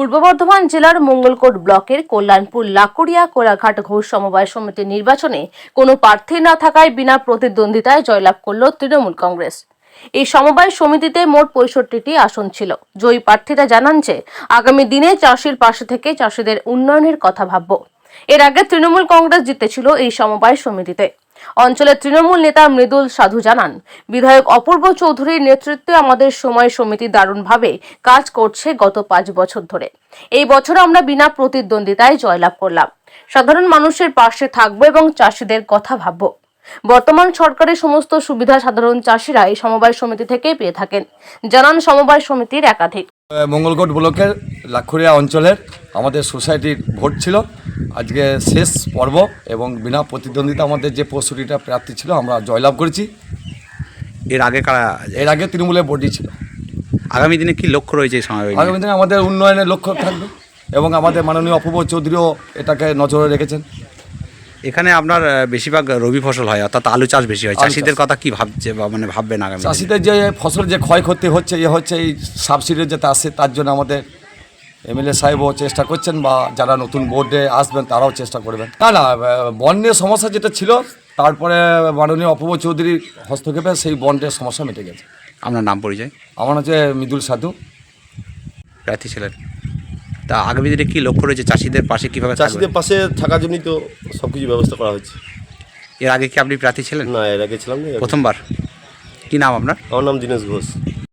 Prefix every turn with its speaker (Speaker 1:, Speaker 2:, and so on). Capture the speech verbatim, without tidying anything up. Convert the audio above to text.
Speaker 1: পূর্ব বর্ধমান জেলার মঙ্গলকোট ব্লকের কল্যাণপুর লাকুড়িয়া কোলাঘাট ঘোষ সমবায় সমিতির নির্বাচনে কোনো প্রার্থী না থাকায় বিনা প্রতিদ্বন্দ্বিতায় জয়লাভ করল তৃণমূল কংগ্রেস। এই সমবায় সমিতিতে মোট পঁয়ষট্টিটি আসন ছিল। জয়ী প্রার্থীরা জানান যে আগামী দিনে চাষির পাশে থেকে চাষিদের উন্নয়নের কথা ভাবব। এর আগে তৃণমূল কংগ্রেস জিতেছিল এই সমবায় সমিতিতে। অঞ্চলের তৃণমূল নেতা মৃদুল সাধু জানান, বিধায়ক অপূর্ব চৌধুরীর নেতৃত্বে আমাদের সময় সমিতি দারুণভাবে কাজ করছে গত পাঁচ বছর ধরে। এই বছর আমরা বিনা প্রতিদ্বন্দ্বিতায় জয়লাভ করলাম। সাধারণ মানুষের পাশে থাকবো এবং চাষিদের কথা ভাববো। বর্তমান সরকারের সমস্ত সুবিধা সাধারণ চাষিরা এই সমবায় সমিতি থেকে পেয়ে থাকেন, জানান সমবায় সমিতির একাধিক।
Speaker 2: মঙ্গলকোট ব্লকের লাখুরিয়া অঞ্চলের আমাদের সোসাইটির ভোট ছিল আজকে শেষ পর্ব এবং বিনা প্রতিদ্বন্দ্বিতা আমাদের যে পঁয়ষট্টিটা প্রার্থী ছিল আমরা জয়লাভ করেছি।
Speaker 3: এর আগে কারা
Speaker 2: এর আগে তৃণমূলের বডি ছিল।
Speaker 3: আগামী দিনে কি লক্ষ্য রয়েছে এই সময়?
Speaker 2: আগামী দিনে আমাদের উন্নয়নের লক্ষ্য থাকবে এবং আমাদের মাননীয় অপূর্ব চৌধুরীও এটাকে নজরে রেখেছেন।
Speaker 3: এখানে আপনার বেশিরভাগ রবি ফসল হয়, অর্থাৎ আলু চাষ বেশি হয়। চাষিদের কথা কি ভাবছে বা মানে ভাববেন আগামী?
Speaker 2: চাষিদের যে ফসল যে ক্ষয়ক্ষতি হচ্ছে এ হচ্ছে এই সাবসিডি যাতে আসে তার জন্য আমাদের এমএলএ সাহেবও চেষ্টা করছেন বা যারা নতুন বোর্ডে আসবেন তারাও চেষ্টা করবেন। না না বন্যের সমস্যা যেটা ছিল তারপরে মাননীয় অপূর্ব চৌধুরীর হস্তক্ষেপে সেই বন্ডের সমস্যা মিটে গেছে।
Speaker 3: আপনার নাম পরিচয়?
Speaker 2: আমার হচ্ছে মৃদুল সাধু,
Speaker 3: প্রার্থী ছিলেন। তা আগামী দিনে কি লক্ষ্য রয়েছে চাষিদের পাশে কীভাবে?
Speaker 4: চাষিদের পাশে থাকার জন্যই তো সব কিছু ব্যবস্থা করা হয়েছে।
Speaker 3: এর আগে কি আপনি প্রার্থী ছিলেন?
Speaker 4: না, এর আগে ছিলাম না।
Speaker 3: প্রথমবার। কি নাম আপনার?
Speaker 4: আমার নাম দীনেশ ঘোষ।